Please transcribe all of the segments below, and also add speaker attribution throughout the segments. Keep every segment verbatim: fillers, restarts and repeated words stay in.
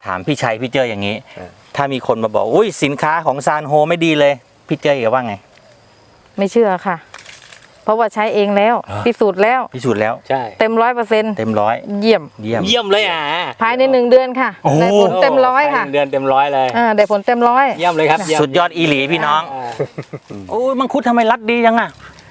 Speaker 1: ถามพี่ชัยพี่เจออย่างนี้ถ้ามีคนมาบอกอุ้ยสินค้าของซานโฮไม่ดีเลยพี่เจอว่าไง
Speaker 2: ไม่เชื่อค่ะเพราะว่าใช้เองแล้วพิสูจน์แล้ว
Speaker 1: พิสูจน์แล้ว
Speaker 3: ใช่
Speaker 2: เต็มร้อยเปอร์เซ็นต์
Speaker 1: เต็มร้อย
Speaker 2: เยี่ยม
Speaker 1: เยี่ยม
Speaker 3: เยี่ยมเลยอ่ะ
Speaker 2: ภายในหนึ่งเดือนค่ะได้ผลเต็มร้อยค่ะ
Speaker 3: เดือนเต็มร้อยเลย
Speaker 2: อ่าได้ผลเต็มร้อย
Speaker 3: เยี่ยมเลยครับ
Speaker 1: สุดยอดอีหลีพี่น้องโอ้ยมังคุดทำไมรัดดีจังอ่ะ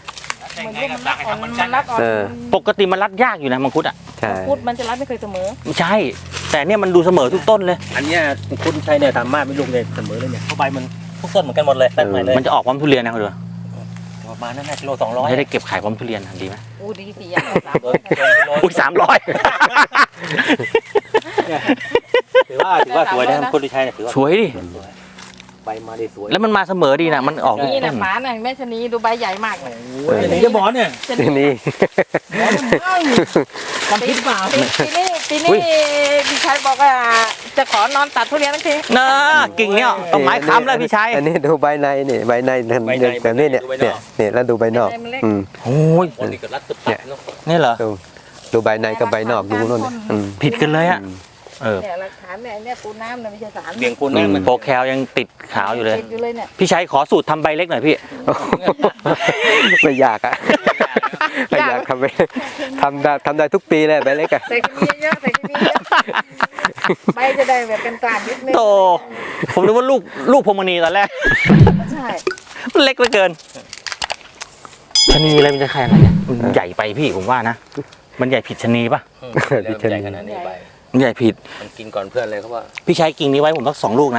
Speaker 1: ปกติมันรัดยากอยู่นะมังคุดอ่ะ
Speaker 2: มังคุดมันจะรัดไม่เคยเสมอ
Speaker 1: ใช่แต่เนี่ยมันดูเสมอทุกต้นเลย
Speaker 3: อันเนี้ยมังคุดใช้เนี่ยทำมากไม่ลูกเลยเสมอเลยเนี่ยเพราะใบมันทุกต้นเหมือนกันหมดเลยแตกใหม่เลย
Speaker 1: มันจะออกพร้อมทุเรียนนะคุณดู
Speaker 3: ประมาณนั้นแหละกิโลสองร้อย
Speaker 1: จะได้เก็บขายพร้อมทุเรียนดีไหม
Speaker 2: อู้ดีสี่อย่างสามร้อย
Speaker 1: อุ้ยสามร้อย
Speaker 3: ถือว่าถือว่าสวยนะมังคุดที่ใช้ถือว่า
Speaker 1: สวยดิ
Speaker 3: ใบมาได้สวย
Speaker 1: แล้วมันมาเสมอดีนะมันออก
Speaker 2: นี่นะฝาเนี่ยแม่ชนีดูใบใหญ่มากเลย
Speaker 3: ชนีจะบอลเนี่ย
Speaker 4: ชนี
Speaker 2: ทำพิษเปล่าปีนี้ปีนี้พี่ชัยบอกว่าจะขอนอนตัดทุเรียนทั้งที
Speaker 1: น่ากิ่งเนี่ยต้องไม้ค้ำเลยพี่ชัย
Speaker 4: อันนี้ดูใบในนี่ใบในแต่นี่เนี่ยเนี่ยเนี่ยแล้วดูใบนอก
Speaker 1: โอ้ย
Speaker 3: เนี่ย
Speaker 1: นี่เหรอ
Speaker 4: ดูใบในกับใบนอกดูนู่น
Speaker 1: ผิดกันเลยอ่ะเออ
Speaker 2: เนี่ยหลักฐานเนี่ยเนี่ยปูน้ำเนี่ยไม่ใช่สาร
Speaker 3: เบี่ยงปูน้ำ
Speaker 1: โปรแคลยังติดขาวอยู่เลย
Speaker 2: ติดอยู่เลยเนี่ย
Speaker 1: พี่ชัยขอสูตรทำใบเล็กหน่อยพี่
Speaker 4: ไม่ยากอ่ะไม่ยากทำไปทำได้ทำได้ทุกปีเลยใบเล็กอ่ะ
Speaker 2: ใส่เคมีเยอะใส่เคมีเยอะใบจะได้แบบเป็นกลางนิดนึง
Speaker 1: โตผมนึกว่าลูกลูกพรมณีตอนแรก
Speaker 2: ใช่
Speaker 1: มันเล็กเหลือเกินชนีอะไรมันจะใครอะไรเนี่ยมันใหญ่ไปพี่ผมว่านะมันใหญ่ผิดชนีป่ะ
Speaker 3: ผิดชนีขนาดนี้ไป
Speaker 1: ใหญ่ผิด
Speaker 3: มันกินก่อนเพื่อนเลยเขาว่า
Speaker 1: พี่ใช้กิ่งนี้ไว้ผมสักสองลูกนะ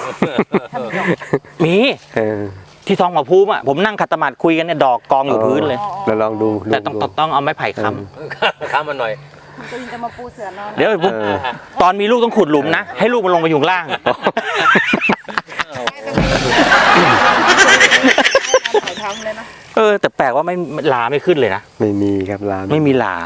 Speaker 1: มีที่ทองหัวภูมิอ่ะผมนั่งขัดสมาธิคุยกันเนี่ยดอกกองอยู่พื้นเลย
Speaker 4: เราลองดู
Speaker 1: แต่ต้องต้องเอาไม้ไผ่ค้
Speaker 3: ำค้ำมันหน่อย
Speaker 2: จะมาปูเสือนอน
Speaker 1: เดี๋ยวปุ๊บตอนมีลูกต้องขุดหลุมนะให้ลูกมันลงไปอยู่ล่างเออแต่แปลกว่าไม่ลาไม่ขึ้นเลยนะ
Speaker 4: ไม่มีครับลา
Speaker 1: ไม่มีลา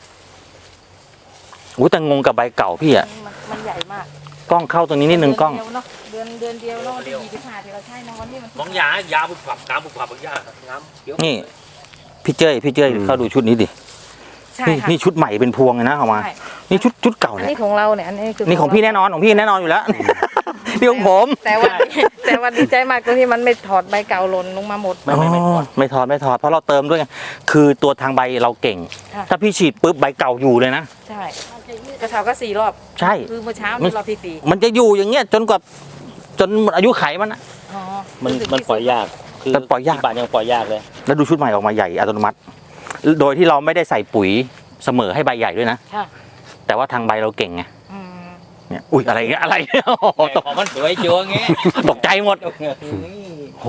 Speaker 1: โอ้แต่งงกับใบเก่าพี่อ่ะ
Speaker 2: มันใหญ่มาก
Speaker 1: กล้องเข้าตรงนี้นิดนึงกล้อง
Speaker 2: เดือนเดือนเดียวแล้ววันที่ยี่สิบห้าที่เราใช้นะวันนี้มัน
Speaker 3: ของยายาบุกผับน้ำบุกผับบุกยาน้ำ
Speaker 1: นี่พี่เจ้ยพี่เจ้ยเข้าดูชุดนี้ดินี่นี่ชุดใหม่เป็นพวงเลยนะเอามานี่ชุดชุดเก่าเนี่ย
Speaker 2: นี่ของเราเนี่ยอันนี้คือ
Speaker 1: นี่ของพี่แน่นอนของพี่แน่นอนอยู่แล้วนี่ของผม
Speaker 2: แต่ว่าแต่ว่าดีใจมากตรงที่มันไม่ถอดใบเก่าหล่นลงมาหมด
Speaker 1: ไม่ไม่ไม่ถอดไม่ถอดไม่ถอดเพราะเราเติมด้วยคือตัวทางใบเราเก่งถ้าพี่ฉีดปุ๊บใบเก่าอยู่เลยนะ
Speaker 2: ใช่กระเทาก็สี่รอบ
Speaker 1: ใช่
Speaker 2: คือเมื่อเช้านี่รอบที่สี่
Speaker 1: มันจะอยู่อย่างเงี้ยจนกว่าจนอายุไขมันนะ
Speaker 3: มันมันปล่อยยากคือ
Speaker 1: ปล่อยยาก
Speaker 3: บาทยังปล่อยยากเลย
Speaker 1: แล้วดูชุดใหม่ออกมาใหญ่อัตโนมัติโดยที่เราไม่ได้ใส่ปุ๋ยเสมอให้ใบใหญ่ด้วยนะแต่ว่าทางใบเราเก่งไงเนี่ยอุ้ยอะไรเงี้ยอะไร
Speaker 3: ตกมันสวยจัวเงี้ย
Speaker 1: ตกใจหมดโห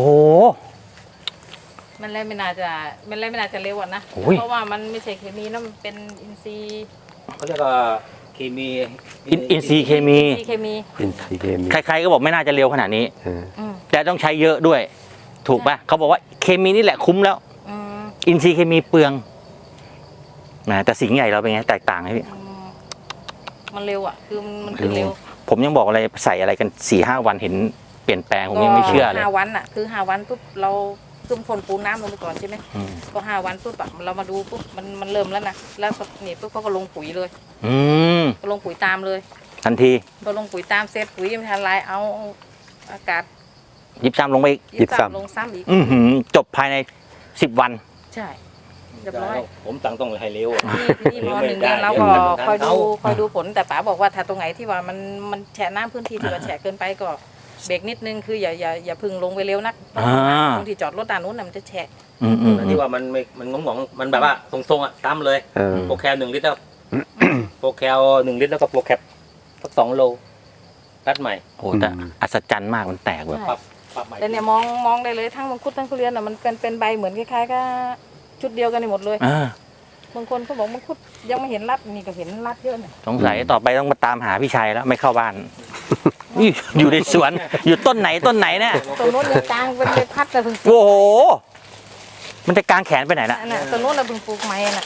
Speaker 2: มันเลยไม่น่าจะมันเลยไม่น่าจะเร็วอ่ะนะเพราะว่ามันไม่ใช่เคมีนะมันเป็นอินทรีย์
Speaker 3: เขาเรียกว่าเคมี
Speaker 1: อินทรีย์เคมี
Speaker 2: เคมี
Speaker 4: อินทรีย์เคมี
Speaker 1: ใครๆก็บอกไม่น่าจะเร็วขนาดนี้แต่ต้องใช้เยอะด้วยถูกป่ะเขาบอกว่าเคมีนี่แหละคุ้มแล้วอินทรีย์เคมีเปลืองนะแต่สิ่งใหญ่เราเป็นไงแตกต่างไหมพี่
Speaker 2: มันเร็วอ่ะคือมันคือเร็ว
Speaker 1: ผมยังบอกอะไรใส่อะไรกันสี่ห้าวันเห็นเปลี่ยนแปลงผมยังไม่เชื่อเลย
Speaker 2: ห้าวันอ่ะคือห้าวันปุ๊บเราซุ่มคนปูน้ำลงไปก่อนใช่ไหมก็ห้าวันปุ๊บเรามาดูปุ๊บมันมันเริ่มแล้วนะแล้วนี่ปุ๊บเขาก็ลงปุ๋ยเลย
Speaker 1: อืม
Speaker 2: ก็ลงปุ๋ยตามเลย
Speaker 1: ทันที
Speaker 2: พอลงปุ๋ยตามเสร็จปุ๋ยยังไม่ทันไรเอาอากาศ
Speaker 1: ยิบซ้ำลงไปอีก
Speaker 2: ยิบซ้ำลงซ้ำอีก
Speaker 1: จบภายในสิบวัน
Speaker 2: ใช่เรียบร้อย
Speaker 3: ผมตั้งต้องให้เร็ว
Speaker 2: นี่พอหนึ่งเดือนเราก็คอยดูคอยดูผลแต่ป๋าบอกว่าถ้าตรงไหนที่ว่ามันมันแฉะน้ำพื้นที่ที่ว่าแฉะเกินไปก็เบรกนิดนึงคืออย่าอย่าอย่าพึ่งลงไปเร็วนักตรงที่จอดรถด้านนู้นมันจะแฉะ
Speaker 3: ที่ว่ามันมันงงงมันแบบว่าทรงๆอ่ะตั้มเลยโปรแคลหนึ่งลิตรแล้วโปรแคลหนึ่งลิตรแล้วก็โปรแคปสักสองโลรัดใหม่
Speaker 1: โอ้แต่อัศจรรย์มากมันแตกแบบ
Speaker 2: แต่เนี่ยมองมองได้เลยทั้งมังคุดทั้งทุเรียนอ่ะมันเป็นเป็นใบเหมือนคล้ายๆกับชุดเดียวกันหมดเลยบางคนเขาบอกมังคุดยังไม่เห็นรัดนี่ก็เห็นรัดเยอะเนี่ย
Speaker 1: สงสัยต่อไปต้องมาตามหาพี่ชัยแล้วไม่เข้าบ้านอยู่ในสวนอยู่ต้นไหนต้นไหนเนี่ย
Speaker 2: ต้นนู้นเนี่ยกลางเป็นใบพัดแต่เพิ่ง
Speaker 1: โอ้โหมันจะกลางแขนไปไหนนะ
Speaker 2: ต้นนู้นเราเพิ่งปลูกใหม่น่ะ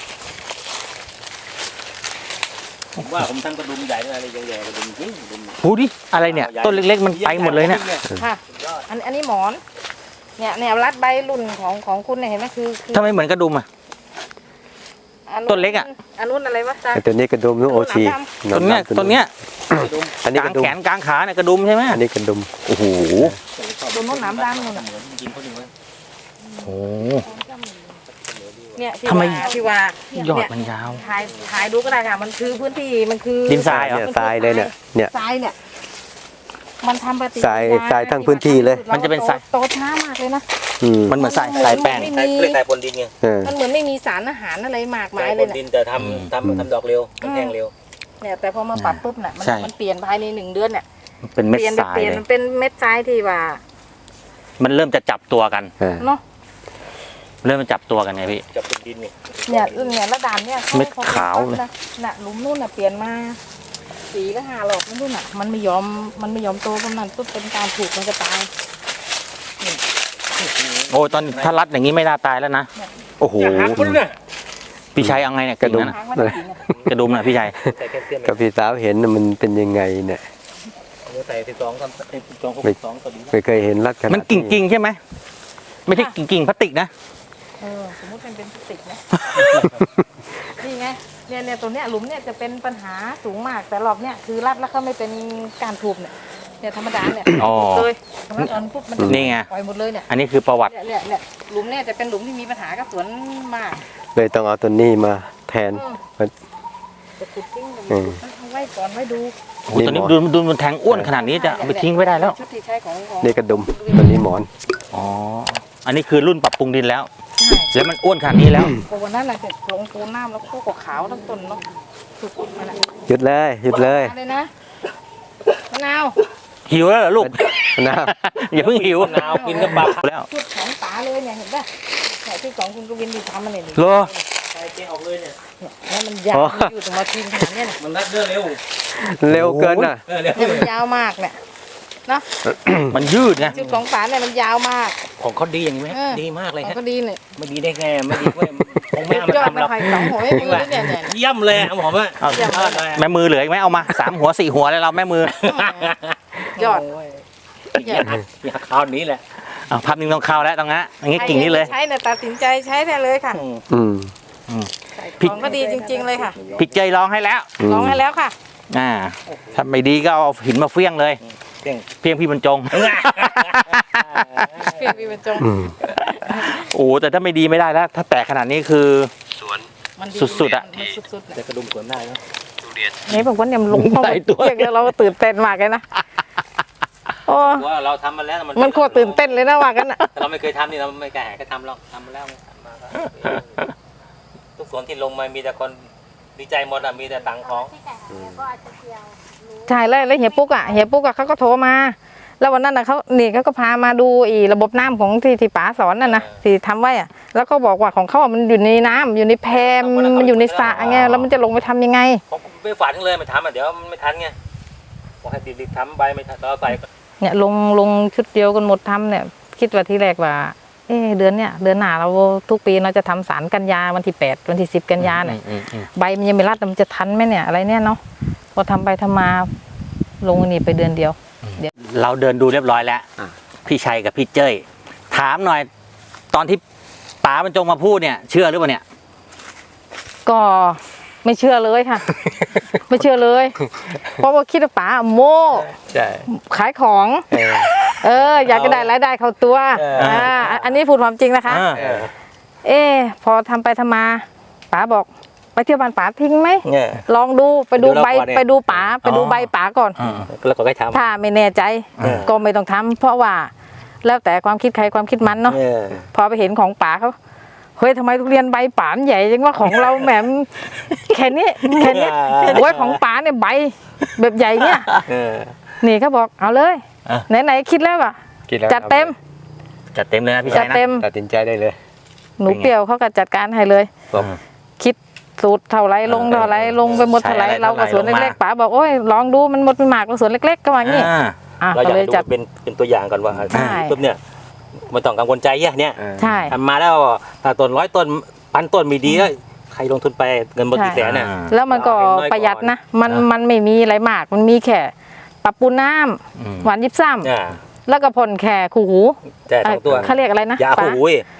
Speaker 3: ผมว่าผมทั้งกระดุมใหญ่อะไรใหญ่ๆกระดุมจริงกระดุม
Speaker 1: พูดดิอะไรเนี่ยต้นเล็กๆมันไปหมดเลยเนี่ย
Speaker 2: ค่ะอันอันนี้หมอนเนี่ยเนี่ยรัดใบรุ่นของของคุณเนี่ยเห็นไหมคือ
Speaker 1: ทำไมเหมือนกระดุมอ่ะ
Speaker 2: อ
Speaker 1: ต้นเล็กอ่ะ
Speaker 2: อันนู้นอะไรวะตา
Speaker 4: ไอ้ตัวนี้กระดุมนู้นโอชี
Speaker 1: ต้นเนี้ยต้นเนี้ย
Speaker 4: อันนี้
Speaker 1: ก
Speaker 4: ก
Speaker 1: ลาง
Speaker 4: ระดุม
Speaker 1: แขนกลางขาเนี่ยกระดุมใช่ไหม
Speaker 4: อันนี้กระดุม
Speaker 1: โอ้โห
Speaker 2: ต้นนู้นหนามดำนู่นน่ะ
Speaker 3: กินคนหนึ่งไว้
Speaker 1: โอ้
Speaker 2: เนี่ยที่
Speaker 1: ทำไม
Speaker 2: ว่าที่ว่าเนี่ย
Speaker 1: ยอดมันยาว
Speaker 2: ถ่ายถ่ายดูก็ได้ค่ะมันคือพื้นที่มันคือ
Speaker 1: ดินทรายเหรอ
Speaker 4: เนี่ยทรายเลยเนี่ยเนี่ย
Speaker 2: ทรายเนี่ยมันทำปฏิ
Speaker 4: ทรายทรายทั้งพื้นที่เลย
Speaker 1: มันจะเป็นทราย
Speaker 2: โตช้ามากเลยนะ
Speaker 4: อืม
Speaker 1: มันเหมือนทรายทรายแป้ง
Speaker 2: ไม่
Speaker 3: ใส่
Speaker 2: มี
Speaker 3: เรียกใส่ปนดินไง
Speaker 4: เออ
Speaker 2: มันเหมือนไม่มีสารอาหารอะไรมาก
Speaker 3: ใส่
Speaker 2: มาย
Speaker 3: ป
Speaker 2: เลย
Speaker 3: น
Speaker 2: นะ
Speaker 3: ดินแต่ทำทำทำดอกเร็วมันแห้งเร็ว
Speaker 2: เนี่ยแต่พอมาปรับปุ๊บน่ะมัน
Speaker 1: ใช่
Speaker 2: มันเปลี่ยนภายในหนึ่งเดือนเนี่ย
Speaker 1: เป็นเม็ด
Speaker 2: เปลี่ยน
Speaker 1: ทราย
Speaker 2: เปลี่ยน
Speaker 1: เลย
Speaker 2: มันเป็นเม็ดทรายที่ว่า
Speaker 1: มันเริ่มจะจับตัวกัน
Speaker 4: เออ
Speaker 2: เนาะ
Speaker 1: เริ่มจะจับตัวกันไงพี่
Speaker 3: จับเป็นดินไง
Speaker 2: เนี่ยเนี่ยระดับเนี่ย
Speaker 1: เม็ดขาวเลย
Speaker 2: นะน่ะหลุมนู่นน่ะเปลี่ยนมาสีก็ห้าหลอกนั่นนู่นน่ะมันไม่ยอมมันไม่ยอมโตเพราะนั้นปุ๊บเป็นการถูกมันจะตาย
Speaker 1: โอ้ยตอนถ้ารัดอย่างนี้ไม่น่าตายแล้วนะ โอ้โห
Speaker 3: อย่าหักคนเนี่ย
Speaker 1: พี่ชัยเอาไงเนี่ย
Speaker 4: กระดุม
Speaker 1: งนั้น
Speaker 2: ทางมันจริงอะ
Speaker 1: กระดุมนะพี่ชัย
Speaker 3: ใส่แคลเซียม
Speaker 4: กับพี่สาวเห็นน่ะมันเป็นยังไงเนี่ย
Speaker 3: ใส่สิบสองสิบสองหกสองตัวดี
Speaker 4: ไม่เคยเห็นลักษณะ
Speaker 1: มันกิ่งกิ่งๆใช่ไหมไม่ใช่กิ่งกิ่งๆพลาสติกนะ
Speaker 2: เออสมมติมันเป็นพลาสติกนะ นี่ไงเนี่ยเนี่ยตัวเนี้ยหลุมเนี่ยจะเป็นปัญหาสูงมากแต่รอบเนี่ยคือรัดแล้วก็ไม่เป็นการถูกเนี่ยเนี่ยธรรมดาเนี่ย
Speaker 1: อ๋อ
Speaker 2: เลยธรรมดาตอนปุ๊บมันจะ
Speaker 1: นี่ไง
Speaker 2: ปล่อยหมดเลยเนี่ย
Speaker 1: อันนี้คือประวัติ
Speaker 2: เนี่ยเนี่ยเนี่ยหลุมเนี่ยจะเป็นหลุมที่มีปัญหากับสวนมาก
Speaker 4: เลยต้องเอาตัวนี้มาแทน
Speaker 2: อืม
Speaker 4: มัน
Speaker 2: จะขุดทิ้งเลย
Speaker 4: อืม
Speaker 2: เอาไว้ก่อนไว้ดู
Speaker 1: โอ้โหตอนนี้ดูดูมันแทงอ้วนขนาดนี้จะเอาไปทิ้งไว้ได้แล้ว
Speaker 2: ชุดที่ใช้ของของ
Speaker 4: นี่กระดุมตัวนี้หมอน
Speaker 1: อ๋อ อันนี้คือรุ่นปรับปรุงดินแล้ว
Speaker 2: ใช่
Speaker 1: แล้วมันอ้วนขนาดนี้แล้ว
Speaker 2: พอวันนั้นน่ะเสร็จลงปูน้ำแล้วก็กขาวทั้งต้นเนาะสุดๆมันน่ะ
Speaker 4: หยุดเลยหยุดเลย
Speaker 2: มาเลยนะมะนาว
Speaker 1: หิวแล้วเหรอลูก
Speaker 4: นะ
Speaker 1: อย่าเพิ่งหิว
Speaker 3: มะนาวกินกับปลา
Speaker 1: แล้ว
Speaker 2: ชุดของป๋าเลยเนี่ยเห็นป่ะเนี่ยที่ของคุณกวินดีทำมาเนี่ย
Speaker 1: โล
Speaker 3: ใส่เจ๊ออกเลยเนี่ย
Speaker 2: เนี่ยมันยาวมันอยู่ตรงมาทิ้งขนาดเนี้ยเนี่ย
Speaker 3: มันรัดเรื่องเร็ว
Speaker 4: เร็วเกินน่ะ
Speaker 3: เออเร็ว
Speaker 2: เนี่ยมันยาวมากเนี่ยเนาะ
Speaker 1: มันยืดไง
Speaker 2: ชุดของป๋าเนี่ยมันยาวมาก
Speaker 3: ของเขาดีอย่างนี้ไหม
Speaker 2: เออ
Speaker 3: ดีมากเลย
Speaker 2: ของ
Speaker 3: ฮะ
Speaker 2: ก็ดีเนี่ย
Speaker 3: ไม่ดีได้ไงไม่ดีเว้ยคงไม่เอา
Speaker 2: ยอ
Speaker 3: มา
Speaker 2: ด
Speaker 3: ทำหรอก
Speaker 2: ไม่ค่อยสองหัวไม่มือเลยเนี่ยเนี่ย
Speaker 3: เยี่ยมเลยอะหมอมอ่ะ
Speaker 1: เอา
Speaker 3: ยอดเลย
Speaker 1: แม่มือเหลืออีกไหมเอามาสามหัวสี่หัวเลยเราแม่มือ
Speaker 2: ยอด
Speaker 3: อยากอยากคราวนี้แหละ
Speaker 1: เอาภาพนิ่งต้องเข้าแล้วตรงนั้นอย่างงี้กิ่งนี้เลย
Speaker 2: ใช้เนี่ยตัดสินใจใช้ได้เลยค่ะ
Speaker 4: อืม
Speaker 2: ของก็ดีจริง ๆเลยค่ะ
Speaker 1: พี่เจยร้องให้แล้ว
Speaker 4: อืม
Speaker 2: ลองให้แล้วค่ะ
Speaker 1: อ่าถ้าไม่ดีก็เอาหินมาเฟี้ยงเลย
Speaker 3: เก่ง
Speaker 1: เพียงพี่บรรจง
Speaker 2: เพียงมีบรรจง
Speaker 4: อืม
Speaker 1: โอ้แต่ถ้าไม่ดีไม่ได้แล้ว ถ้าแตกขนาดนี้คือ
Speaker 2: มัน
Speaker 1: สุดๆอะ
Speaker 2: มันสุดๆอะ
Speaker 3: แต่กระดุมสวนได้เนาะ
Speaker 2: นี่บอกว่าเนี่ยมันลงเข้า
Speaker 1: หลายตัว
Speaker 2: เรียกแล้วเราก็ตื่นเต้นมากเลยนะโอ้
Speaker 3: ว่าเราทำมาแล้ว
Speaker 2: มันโคตรตื่นเต้นเลยนะว่ากันอ่ะ
Speaker 3: แต่เราไม่เคยทำนี่เราไม่กล้าหาก็ทำหรอกทำมาแล้วทำมาก็ทุกสวนที่ลงมามีแต่คนดีใจหมดอ่ะมีแต่ตังค์ของ
Speaker 2: ใช่แล้วแล้วเฮียปุ๊กอ่ะเฮียปุ๊กอ่ะเขาก็โทรมา แล้ววันนั้นน่ะเขานี่เขาก็พามาดูอีระบบน้ำของที่ที่ป๋าสอนน่ะนะที่ทำไว้อ่ะแล้วก็บอกว่าของเขาอะมันอยู่ในน้ำอยู่ในแพมมันอยู่ในสระไงแล้วมันจะลงไปทำยังไง
Speaker 3: ผมไม่ฝันเลยมันทำอ่ะเดี๋ยวมันไม่ทันไงบอกให้รีบๆทำใบไม่ทันเราใส่
Speaker 2: เนี่ยลงลงชุดเดียวกันหมดทำเนี่ยคิดว่าที่แรกว่า เอ๊ะเดือนเนี่ยเดือนหน้าเราทุกปีเราจะทำสารกันยาวันที่แปดวันที่สิบกันยาเนี่ย
Speaker 1: อืมอืม
Speaker 2: ใบมันยังไม่รัดมันจะทันไหมเนี่ยอะไรเนี่ยเนาะพอทำไปทำมาลงอันนี่ไปเดือนเดียว
Speaker 1: เราเดินดูเรียบร้อยแล้ว พี่ชัยกับพี่เจ้ยถามหน่อย ตอนที่ป๋าบรรจงมาพูดเนี่ย เชื่อหรือเปล่าเนี่ย
Speaker 2: ก็ไม่เชื่อเลยค่ะ ไม่เชื่อเลย เพราะว่าคิดว่าป๋าโม่
Speaker 4: ใช่
Speaker 2: ขายของ
Speaker 4: เออ
Speaker 2: เออ อยากจะได้รายได้เข้าตัวอ่าอันนี้พูดความจริงนะคะ
Speaker 1: อ่า
Speaker 4: เออ
Speaker 2: เอ๊ะพอทำไปทำมาป๋าบอกไปเที่ยวบ้านป๋าทิ้งไหม
Speaker 3: เนี่ย
Speaker 2: ลองดูไปดู
Speaker 3: ดูแล้ว
Speaker 2: ใบ
Speaker 3: ก่อนเนี่ย
Speaker 2: ไปดูป๋าไปดู
Speaker 1: อ๋อ
Speaker 2: ใบป๋าก่อน
Speaker 1: อ่า
Speaker 3: แล้วก็ให้ทำ
Speaker 2: ถ้าไม่แน่ใจ
Speaker 3: เออ
Speaker 2: ก็ไม่ต้องทำเพราะว่า แล้วแต่ความคิดใครความคิดมันเนาะ
Speaker 3: เนี่ย
Speaker 2: พอไปเห็นของป๋าเขาเฮ้ยทำไมทุเรียนใบป๋ามันใหญ่จังว่าของเราแหมมแค่นี้แค่นี้โอ้ยของป๋าเนี่ยใบแบบใหญ่เนี่ย
Speaker 3: เออ
Speaker 2: นี่เขาบอกเอาเลย
Speaker 1: อ่ะ
Speaker 2: ไหนๆคิดแล้วอ่ะ
Speaker 4: กินแล้ว
Speaker 2: จัดเต็ม
Speaker 1: จัดเต็มเลยนะพี่
Speaker 2: จั
Speaker 1: ชั
Speaker 2: ด
Speaker 1: ยนะ
Speaker 2: เต็ม
Speaker 4: ตัดสินใจได้เลย
Speaker 2: หนูเปรี้ยวเขาก็จัดการให้เลย
Speaker 4: บอก
Speaker 2: คิดสูตรเท่าไรลงเท่าไรลงไปหมดเท่าไร
Speaker 1: ใช้อะไร
Speaker 2: เราก็สวน
Speaker 1: เท่าไหร่
Speaker 2: เล็ก
Speaker 1: ลงมา
Speaker 2: ๆป๋าบอกโอ้ยลองดูมันหมดเป็นหมากเราสวนเล็กๆก็ว่างี้
Speaker 1: อ่า
Speaker 2: อ่ะ
Speaker 3: เราอ
Speaker 2: ก็
Speaker 3: ยาก
Speaker 2: เลย
Speaker 3: ดู
Speaker 2: จัด
Speaker 3: เป็นเป็นตัวอย่างก่อนว่า
Speaker 2: ใช่
Speaker 3: ปุ๊บเนี่ยไม่ต้องกังวลใจแย่เนี่ย
Speaker 4: เออ
Speaker 2: ใช่
Speaker 3: ทำมาแล้วถ้าต้นร้อยต้นพันต้นมีดีก็ใครลงทุนไปเงินหมดกี่แสนน่ะ
Speaker 1: อ่า
Speaker 2: แล้วมันก็
Speaker 3: เอาให้น้อยก่อน
Speaker 2: ประหยัดนะมัน
Speaker 3: อ่ะ
Speaker 2: มันไม่มีอะไรมากมันมีแค่ปรับปูน้ำ
Speaker 1: อืม
Speaker 2: หวานยิบซ้
Speaker 3: อ่า
Speaker 2: ำแล้วก็พ่นแค่ขู่หู
Speaker 3: ใช่สองตัว
Speaker 2: เอ่อเขาเรียกอะไรนะ
Speaker 3: ยา
Speaker 2: ป๋า
Speaker 3: หูย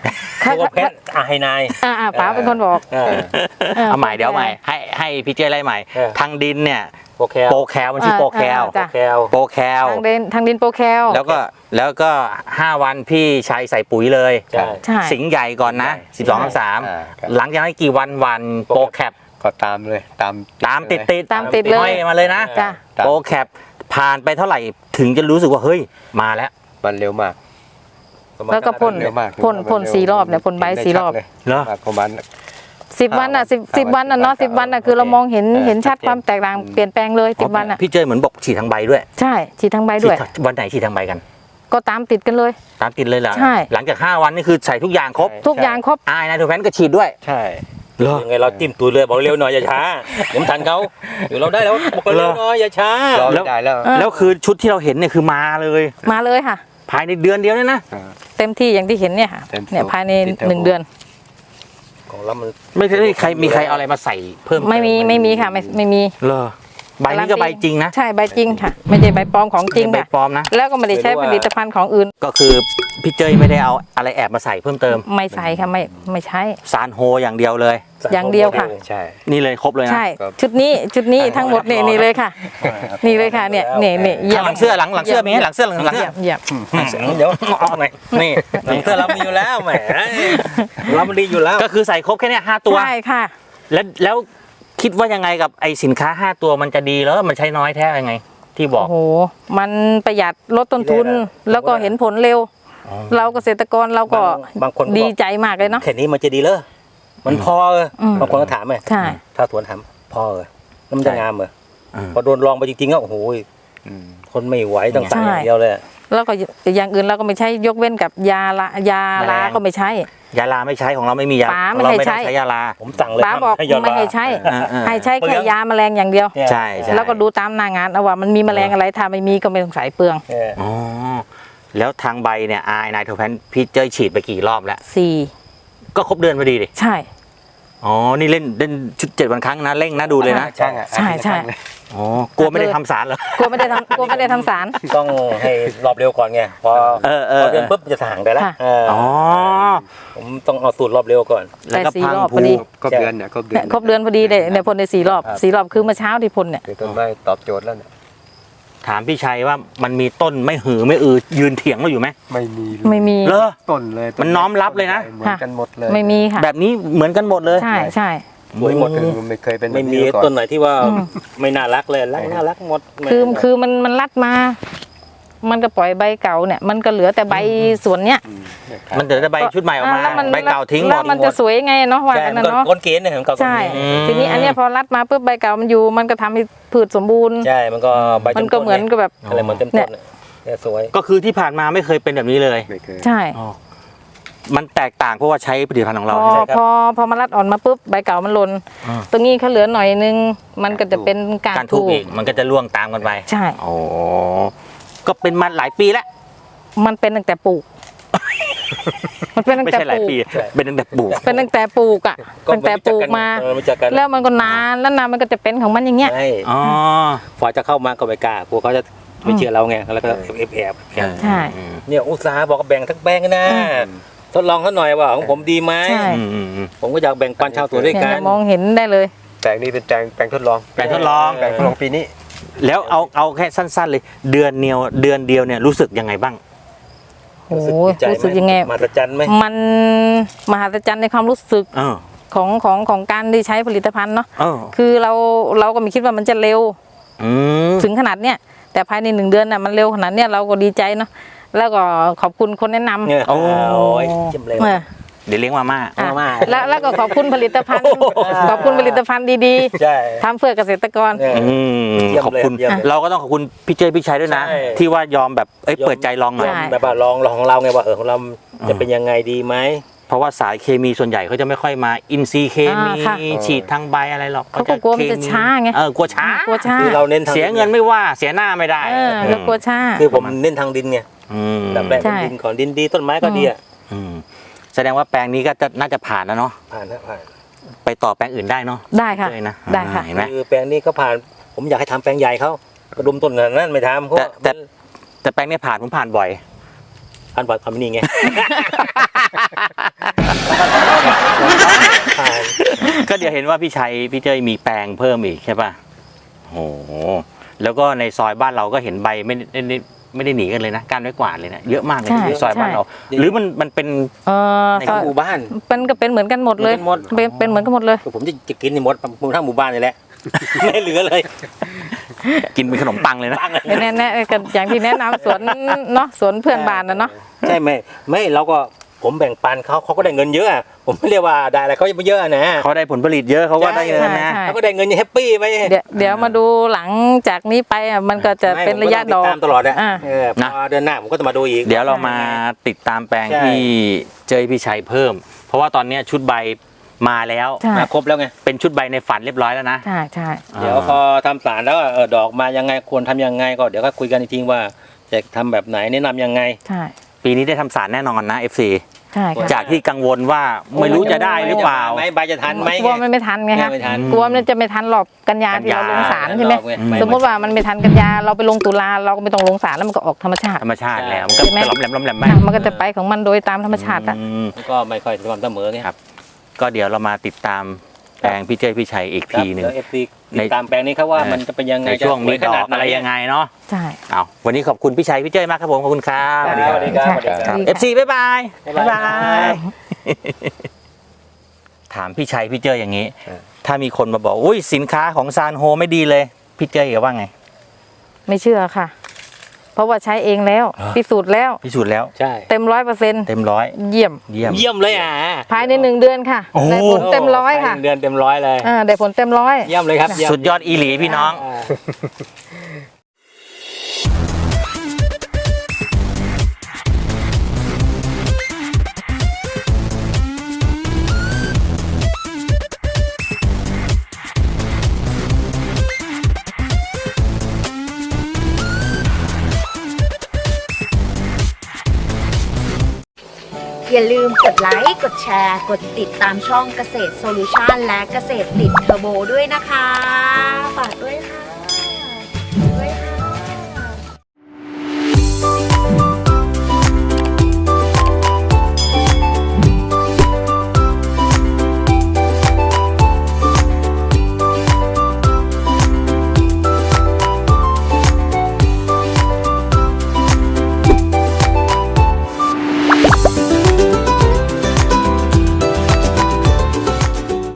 Speaker 2: ค่ะ
Speaker 3: ตัวแพทย์อาไฮนาย
Speaker 2: อ่าอ่าป๋าเป็นคนบอก
Speaker 3: เออ
Speaker 1: เอาใหม่เดี๋ยวเอาใหม่ให้ให้พี่เจ้ไล่ใหม่
Speaker 3: เออ
Speaker 1: ทางดินเนี่ย
Speaker 3: โปรแคล
Speaker 1: โปรแคลมันชื่อโปรแคล
Speaker 2: อ่าจ้ะ
Speaker 3: แคล
Speaker 1: โปรแคล
Speaker 2: ทางดินทางดินโปรแคล
Speaker 1: แล้วก็แล้วก็ห้าวันพี่ชัยใส่ปุ๋ยเลย
Speaker 3: ใช่
Speaker 2: ใช่
Speaker 1: สิงห์ใหญ่ก่อนนะ
Speaker 3: ใช่
Speaker 1: สิบสองสาม
Speaker 4: อ่าครับ
Speaker 1: หลังจากนั้นกี่วันวันโปรแคป
Speaker 4: ก็ตามเลยตาม
Speaker 1: ตามติดติด
Speaker 2: ตามติดเลย
Speaker 1: ห้อยมาเลยนะ
Speaker 2: จ้ะ
Speaker 4: ตาม
Speaker 1: โปรแคปผ่านไปเท่าไหร่ถึงจะรู้สึกว่าเฮ้ยมาแล้ว
Speaker 4: มันเร็วมาก
Speaker 2: แล้วก็พ่น
Speaker 4: เร็วมาก
Speaker 2: พ่นพ่นสี่รอบเนี่ยพ่นใบสี่รอบ
Speaker 1: เหรอ
Speaker 4: ประมาณ
Speaker 2: สิบวันอ่ะสิบสิบวันอ่ะเนาะสิบวันอ่ะคือเรามองเห็น
Speaker 4: เออ
Speaker 2: เห็นชัด
Speaker 4: ชัดเจน
Speaker 2: ความแตกต่างเปลี่ยนแปลงเลยสิบวันอ่ะ
Speaker 1: พี่เจยเหมือนบอกฉีดทางใบด้วย
Speaker 2: ใช่ฉีดทั้งใบด้วย
Speaker 1: ฉีวันไหนฉีดทางใบกัน
Speaker 2: ก็ตามติดกันเลย
Speaker 1: ตามติดเลยเหรอ
Speaker 2: ใช่
Speaker 1: หลังจากห้าวันนี่คือใส่ทุกอย่างครบ
Speaker 2: ทุกอย่างครบ
Speaker 1: อายนะทูแพนก็ฉีดด้วย
Speaker 4: ใช่
Speaker 1: เหรอ
Speaker 3: ยังไงเราจิ้มตูดเลยบอกเร็วหน่อยอย่าช้าเดี๋ยวมันทันเขาเดี๋ยวเราได้แล้วบอกเร็วหน่อยอย่าช้าร
Speaker 4: อ
Speaker 1: แล้ว
Speaker 4: ไม่ได้แล้ว
Speaker 2: เออ
Speaker 1: แล้วคือชุดที่เราเห็นเนี่ยคือมาเลย
Speaker 2: มาเลยค่ะ
Speaker 1: ภายในเดือนเดียวเนี่ยนะ
Speaker 2: เต็มที่อย่างที่เห็นเนี่ยค่ะ
Speaker 4: เต็มที่
Speaker 2: เนี่ยภายใน
Speaker 4: ติดเทอร์โบ
Speaker 2: หนึ่งเดือน
Speaker 3: ของเรามัน
Speaker 1: ไม่ได้ใครมีใครเอาอะไรมาใส่เพิ่มเติ
Speaker 2: ไม่มีไม่มีค่ะไม่ไม่มี
Speaker 1: เหรอใบนี้ก็ใบจริงนะ
Speaker 2: ใช่ใบจริงค่ะ ไม่ใช่ใบปลอมของจริง
Speaker 1: ใบ
Speaker 2: ค่ะ
Speaker 1: ปลอมนะ
Speaker 2: แล้วก็ไม่ได้ใช้ผลิตภัณฑ์ของอื่น
Speaker 1: ก็คือพี่เจยไม่ได้เอาอะไรแอบมาใส่เพิ่มเติม
Speaker 2: ไม่ใส่ค่ะไม่ไม่ใช้
Speaker 1: ซานโฮอย่างเดียวเลย
Speaker 2: อย่างเดียวค่ะ
Speaker 4: ใช่
Speaker 1: นี่เลยครบเลยนะ
Speaker 2: ใช่
Speaker 4: ครับ
Speaker 2: ชุดนี้ชุดนี้ทั้งหมดเนี่ยนี่เลยค่ะ นี่เลยค่ะเนี่ยเนี่ยเนี่ยเยี่ยม
Speaker 1: หลังเสื้อหลังหลังเสื้อมีไหมหลังเสื้อหลังหลังเสื้อ
Speaker 2: เยี่ยม
Speaker 3: เดี๋ยวเอาหน่อยนี่หนังเสื้อเรามีอยู่แล้วแหมเรามันดีอยู่แล้ว
Speaker 1: ก็คือใส่ครบแค่เนี้ยห้าตัว
Speaker 2: ใช่ค่ะ
Speaker 1: แล้วแล้วคิดว่ายังไงกับไอสินค้าห้าตัวมันจะดีแล้วมันใช้น้อยแท้ยังไง ที่บอ
Speaker 2: โอ้
Speaker 1: ก
Speaker 2: โหมันประหยัดลดต้นทุน แล้วก็เห็นผลเร็ว
Speaker 1: อ๋อ
Speaker 2: เราเกษตรกรเราก็
Speaker 3: บางคนก็บอก
Speaker 2: ดีใจมากเลยเนาะ
Speaker 3: แค่นี้มันจะดีเลยมันพอเออ
Speaker 2: อืม
Speaker 3: บางคนก็ถามไง
Speaker 2: ใช่
Speaker 3: ถ้าสวนถามพอเออแล้วมันจะงามเหรอ
Speaker 1: อืม
Speaker 3: พอโดนลองไปจริงๆก็โอ้โห
Speaker 4: อืม
Speaker 3: คนไม่ไหวต้องใส่อย่างเดียวเลย
Speaker 2: แล้วก็อย่างอื่นเราก็ไม่ใช้ยกเว้นกับยาละยาลาก็ไม่ใช้
Speaker 1: ยาลาไม่ใช้ของเราไม่มียา
Speaker 2: ป๋า
Speaker 1: ของ
Speaker 2: ไม่
Speaker 1: เรา
Speaker 2: ให้
Speaker 1: ไม่
Speaker 2: ใช้
Speaker 1: ต้องใช้ยาลา
Speaker 3: ผมสั่งเลย
Speaker 2: ป้าบอก
Speaker 3: ให้ยอด
Speaker 2: ไม่ให้ใช้
Speaker 1: อ่าอ่า
Speaker 2: ให้ใช้แค่ยาแมลงอย่างเดียว
Speaker 1: ใช่ใช่
Speaker 2: แล้วก็ดูตามหน้างานเอาว่ามันมีแมลงอะไรถ้าไม่มีก็ไม่ต้องใส่เปลือง
Speaker 3: เออ
Speaker 1: อ๋อแล้วทางใบเนี่ยไอนายโทแพนพี่เจยฉีดไปกี่รอบแล้ว
Speaker 2: สี่
Speaker 1: ก็ครบเดือนพอดีดิ
Speaker 2: ใช่
Speaker 1: อ๋อนี่เล่นเล่นชุดเจ็ดวันครั้งนะเร่งนะดูเลยนะ
Speaker 4: ช่างอ่ะ
Speaker 2: ใช่ใช่
Speaker 1: อ๋อกลัวไม่ได้ทำสารเหรอ
Speaker 2: กลัวไม่ได้ทำกลัวไม่ได้ทำสาร
Speaker 3: ต้องให้รอบเร็วก่อนไงพอ
Speaker 1: เออเอ
Speaker 3: พ
Speaker 1: อ
Speaker 3: อเดือนปุ๊บจะห่างได้แล้ว
Speaker 2: ค่ะ
Speaker 3: เออ
Speaker 1: อ๋อ
Speaker 3: ผมต้องเอาสูตรรอบเร็วก่อน
Speaker 1: แล้วก็
Speaker 2: แต่สี่
Speaker 1: พัง
Speaker 2: รอบ
Speaker 1: ผู
Speaker 2: พอดี
Speaker 4: ครบเดือนเนี่ยครบเดือ
Speaker 2: เนี่ย
Speaker 4: น
Speaker 2: ครบเดือนพอดีเลยเนี่ยพ่นในสี่รอบ
Speaker 4: ครับ
Speaker 2: สี่รอบคือเมื่อเช้าที่พ่นเนี่ย
Speaker 4: คือต้นไม้ตอบโจทย์แล้วเนี่ย
Speaker 1: ถามพี่ชัยว่ามันมีต้นไม่หือไม่อือยืนเถียงเราอยู่ไหม
Speaker 4: ไม่มีเลย
Speaker 2: ไม่มี
Speaker 1: เหรอ
Speaker 4: ต้นเลย
Speaker 1: มันน้อมรับเลยนะ
Speaker 4: เหมือนกันหมดเลย
Speaker 2: ไม่มีค่ะ
Speaker 1: แบบนี้เหมือนกันหมดเลย
Speaker 2: ใช่ใช่
Speaker 3: สวยหมด
Speaker 4: คือไม่เคยเป็นแบบ
Speaker 3: ไม่มี
Speaker 4: าก่อ
Speaker 3: ต้นไหนที่ว่า
Speaker 2: อืม
Speaker 3: ไม่น่ารักเลยรักน่ารักหมด
Speaker 2: คือคือมันมันรัดมา มันก็ปล่อยใบเก่าเนี่ย มันก็เหลือแต่ใบส่วนเนี้ย
Speaker 4: อืม
Speaker 1: มันเดี๋ยวจะใบชุดใหม่ออกมา
Speaker 2: แล้วมัน
Speaker 1: ใบเก่าทิ้งหม
Speaker 2: แล้ว
Speaker 1: ด
Speaker 2: มันจะสวยไงเนาะว่า
Speaker 3: ใช่
Speaker 2: กัน
Speaker 3: มัน
Speaker 2: นะ
Speaker 3: ก็
Speaker 2: เนาะ
Speaker 3: ก้นเกณฑ์เนี่ยของเก่า
Speaker 2: ใช่
Speaker 1: อืม
Speaker 2: ทีนี้อันเนี้ยพอรัดมาปุ๊บใบเก่ามันอยู่ มันก็ทำให้พืชสมบูรณ์
Speaker 3: ใช่มันก็ใบ
Speaker 2: มันก็เหมือนกับแบบ
Speaker 3: อะไรเหมือนเต็มต้นเนี่ยเนี่ยสวย
Speaker 1: ก็คือที่ผ่านมาไม่เคยเป็นแบบนี้เลย
Speaker 4: ไม่เคย
Speaker 2: ใช่
Speaker 1: อ๋อมันแตกต่างเพราะว่าใช้ผลิตภัณฑ์ของ
Speaker 2: พ
Speaker 1: เรา
Speaker 2: อ
Speaker 1: ใช่ไหมครับ
Speaker 2: พอพอมารัดอ่อนมาปุ๊บใบเก่ามันหล่น
Speaker 1: อ่า
Speaker 2: ตรงนี้เขาเหลือหน่อยนึง มันก็จะเป็นการ
Speaker 1: การทุบ
Speaker 2: ถูก
Speaker 1: อีกมันก็จะล่วงตามกันไป
Speaker 2: ใช่
Speaker 1: โอ้ก็เป็นมาหลายปีแล้ว
Speaker 2: มันเป็นตั้งแต่ปลูก มันเป็นตั้ง
Speaker 1: ไม่
Speaker 2: แต่
Speaker 1: ใช่หลาย
Speaker 2: ปลูก
Speaker 1: ปี เป็นตั้งแต่ปลูก
Speaker 2: เป็นตั้งแต่ปลูกอ่ะตั้งแต่ปลูกมา
Speaker 3: เออรู้จักกัน
Speaker 2: แล้วมันก็นานแล้วนานมันก็จะเป็นของมันอย่างเงี้ย
Speaker 3: ใช่
Speaker 1: อ๋อ
Speaker 3: พอจะเข้ามาก็ไม่กล้ากลัวเขาจะไม่เชื่อเราไงแล้วก็แอบแอบแอบ
Speaker 2: ใช่
Speaker 1: อืม
Speaker 3: เนี่ยอุตสาห์บอกว่าแบ่งทั้งแบงค์นะทดลองเขาหน่อยว่าของผมดีไหม
Speaker 2: ใช่
Speaker 1: อืมอืมอืม
Speaker 3: ผมก็อยากแบ่งปันชาวสวนด้วย
Speaker 2: เนี่ย
Speaker 3: กัน
Speaker 2: มองเห็นได้เลย
Speaker 4: แปลงนี้เป็นแปลงแปลงทดลอง
Speaker 1: แปลงทดลอง
Speaker 4: แปลงทดลองปีนี้
Speaker 1: แล้วเอาเอาแค่สั้น ๆ เลย เดือนเดียวเดือนเดียวเนี่ยรู้สึกยังไงบ้าง
Speaker 2: โอ้
Speaker 3: รู้สึก
Speaker 2: ย
Speaker 3: ดีใจ
Speaker 2: รู้สึกยังไง
Speaker 3: มหัศจรรย์ไหม
Speaker 2: มันมหัศจรรย์ในความรู้สึก
Speaker 1: เออ
Speaker 2: ของของของการได้ใช้ผลิตภัณฑ์เนาะ
Speaker 1: เออ
Speaker 2: คือเราเราก็ไม่คิดว่ามันจะเร็ว
Speaker 1: อืม
Speaker 2: ถึงขนาดเนี้ยแต่ภายในหนึ่งเดือนน่ะมันเร็วขนาดเนี้ยเราก็ดีใจเนาะแล้วก็ขอบคุณคนแนะนำ
Speaker 3: เนี่ย
Speaker 1: โอ้
Speaker 3: โอ้ยจิ้มเร็ว
Speaker 2: เออ
Speaker 1: เดี๋ยวเลี้ยงมาม่า
Speaker 2: อ่ะ
Speaker 3: มาม่า
Speaker 2: แล้วแล้วก็ขอบคุณผลิตภัณฑ์ ขอบคุณผลิตภัณฑ์ดี
Speaker 3: ใช่
Speaker 2: ๆทำเพื่อเกษตรกร
Speaker 3: เนี่ย
Speaker 1: อืม
Speaker 3: เยี่ยมเลย
Speaker 1: ขอบคุณ
Speaker 3: เยี่ยมเลย
Speaker 1: เราก็ต้องขอบคุณพี่เจยพี่ชัยด้วยนะ
Speaker 3: ใช่
Speaker 1: ที่ว่ายอมแบบเอ้ยเปิดใจลองหน่อย
Speaker 2: ใช่
Speaker 3: แบบว่าลองลองของเราไงว่าเออของเราจะเป็นยังไงดีไหม
Speaker 1: เพราะว่าสายเคมีส่วนใหญ่เขาจะไม่ค่อยมาอินซีย์เคมี
Speaker 2: อ่าค่ะ
Speaker 1: ฉีดทางใบอะไรหรอก
Speaker 2: เขาก็กลัวมันจะช้าไง
Speaker 1: เออกลัวช้าก
Speaker 2: ลัวช้า
Speaker 3: คือเราเน้นทาง
Speaker 1: เสียเงินไม่ว่าเสียหน้าไม่ได้
Speaker 2: เออก็กลัวช้า
Speaker 3: คือผมเน้นทางดินไง
Speaker 1: อืม
Speaker 3: แบบแรก
Speaker 2: ใช่
Speaker 3: เป็นดินก่อนดินดีต้นไม้ก็ดีอ่ะ
Speaker 1: อืมแสดงว่าแปลงนี้ก็จะน่าจะผ่านแล้วเนาะ
Speaker 3: ผ่านนะผ่าน
Speaker 1: ไปต่อแปลงอื่นได้เนาะ
Speaker 2: ได้ค่ะ
Speaker 1: เลยนะ
Speaker 2: ได้ค่ะ
Speaker 1: อ่าเห็นไหม
Speaker 3: คือแปลงนี้ก็ผ่าน ผมอยากให้ทำแปลงใหญ่เขากระดุมต้นนั้นไม่ทำเพราะ
Speaker 1: แต่แต่ แต่แปลงนี้ผ่านผมผ่านบ่อย
Speaker 3: อันบัตรทำนี่ไง
Speaker 1: ก็เดี๋ยวเห็นว่าพี่ชัยพี่เจ้ยมีแปลงเพิ่มอีกใช่ป่ะโอ้โหแล้วก็ในซอยบ้านเราก็เห็นใบไม่ได้ไม่ได้ไม่ได้หนีกันเลยนะการไม้กวาดเลยนะเยอะมากเลย
Speaker 2: ใช่
Speaker 1: ในซอยบ้านเรา หรือมันมันเป็น
Speaker 2: เออ
Speaker 1: ใน
Speaker 2: ซอย
Speaker 3: หมู่บ้าน
Speaker 2: เป็นก็เป็นเหมือนกันหมดเลย
Speaker 3: เหมือนกันหมด
Speaker 2: เป็นเป็นเหมือนกันหมดเลย
Speaker 3: ผมจะจะกินในหมดหมู่ทั้งหมู่บ้านนี่แหละ ไม่เหลือเลย
Speaker 1: กินเป็นขนมปังเลยนะ
Speaker 3: ตั้งเลย
Speaker 2: แน่แน่ๆกันอย่างที่แนะนำสวนเนาะสวนเพื่อนบ้านนะเนาะ
Speaker 3: ใช่ไหมไม่เราก็ผมแบ่งปันเขาเขาก็ได้เงินเยอะ ผมไม่เรียกว่าได้อะไรเขาไม่เยอะนะ
Speaker 1: เขาได้ผลผลิตเยอะเขาก็ได้เงินนะ
Speaker 2: ใช่
Speaker 3: เขาก็ได้เงินแฮปปี้ไหม
Speaker 2: เดี๋ยวเดี๋ยวมาดูหลังจากนี้ไปอ่ะมันก็จะเป็นระยะดอก
Speaker 3: ตามตลอดอะ
Speaker 2: อ่า
Speaker 3: เออพ
Speaker 1: นะ
Speaker 3: อเดือนหน้าผมก็จะมาดูอีก
Speaker 1: เดี๋ยวเรามาติดตามแปลง
Speaker 3: ใช่
Speaker 1: ที่เจยพี่ชัยเพิ่ม เพราะว่าตอนเนี้ยชุดใบมาแล้ว
Speaker 2: ใช่
Speaker 3: มาครบแล้วไง
Speaker 1: เป็นชุดใบในฝันเรียบร้อยแล้วนะ
Speaker 2: ใช่ใช่
Speaker 3: เดี๋ยวพอทำสารแล้วเออดอกมายังไงควรทำยังไงก็เดี๋ยวก็คุยกันอีกทีว่าจะทำแบบไหนแนะนำยังไง
Speaker 2: ใช่
Speaker 1: ปีนี้ได้ทำสารแน่นอนนะ เอฟ ซี
Speaker 2: ใช่ค่ะ
Speaker 1: จากที่กังวลว่าไม่รู้จะได้หรือเปล่า
Speaker 3: ไหมใบจะทันไหม
Speaker 2: กลัวมันไม่ทันไงคะ
Speaker 3: ไม่ทัน
Speaker 2: กลัวมันจะไม่ทันหรอกกันยาที่เราลงสารใช่ไหม
Speaker 3: ไม่
Speaker 2: สมมติว่ามันไม่ทันกันยาเราไปลงตุลาเราก็ไม่ต้องลงสารแล้วมันก็ออกธรรมชาติ
Speaker 1: ธรรมชาติแล้วมันก็
Speaker 2: ใช่ไหม
Speaker 1: จะหล้อมแหลมหล้อมแหลมไป
Speaker 2: อ่ะมันก็จะไปของมันโดยตามธรรมชาติอะ
Speaker 1: อืม
Speaker 3: ก็ไม่ค่อยสม่ำเสมอไง
Speaker 1: ครับ ก็เดี๋ยวเรามาติดตามแปลงพี่เจยพี่ชัยอีกทีหนึ่ง
Speaker 3: เอฟซี
Speaker 1: ใน
Speaker 3: ตามแปลงนี้ครับว่ามันจะเป็นยังไง
Speaker 1: ในช่วงมีดอก
Speaker 3: จสวยขนาหน
Speaker 1: อะไรยังไงเนาะ
Speaker 2: ใช่
Speaker 1: เอาวันนี้ขอบคุณพี่ชัยพี่เจยมากครับผมขอบคุณครับ
Speaker 3: สวัสดีครับสวัสดีครับสวัสดีครับ
Speaker 1: เอฟซีบ๊ายบาย
Speaker 3: บ๊ายบาย
Speaker 1: ถามพี่ชัยพี่เจยอย่างนี้ ถ้ามีคนมาบอกอุ้ยสินค้าของซานโฮไม่ดีเลย พี่เจยจะว่าไง
Speaker 2: ไม่เชื่อค่ะ เพราะว่าใช้เองแล้ว
Speaker 1: อ่า
Speaker 2: พิสูจน์แล้ว
Speaker 1: พิสูจน์แล้ว
Speaker 3: ใช่
Speaker 2: เต็มร้อยเปอร์เซ็นต์
Speaker 1: เต็มร้อย
Speaker 2: เยี่ยม
Speaker 1: เยี่ยม
Speaker 3: เยี่ยมเลยอ่ะ
Speaker 2: ภายในหนึ่งเดือนค่ะ
Speaker 1: โอ้
Speaker 2: ได้ผลเต็มร้อยค่ะ
Speaker 3: หนึ่งเดือนเต็มร้อยเลย
Speaker 2: อ่าได้ผลเต็มร้อย
Speaker 3: เยี่ยมเลยครับเม
Speaker 1: สุดยอดอีหลีพี่น้อง
Speaker 3: า
Speaker 5: อย่าลืมกดไลค์ กดแชร์ กดติดตามช่องเกษตรโซลูชันและเกษตรติดเทอร์โบด้วยนะคะ ฝากด้วยค่ะ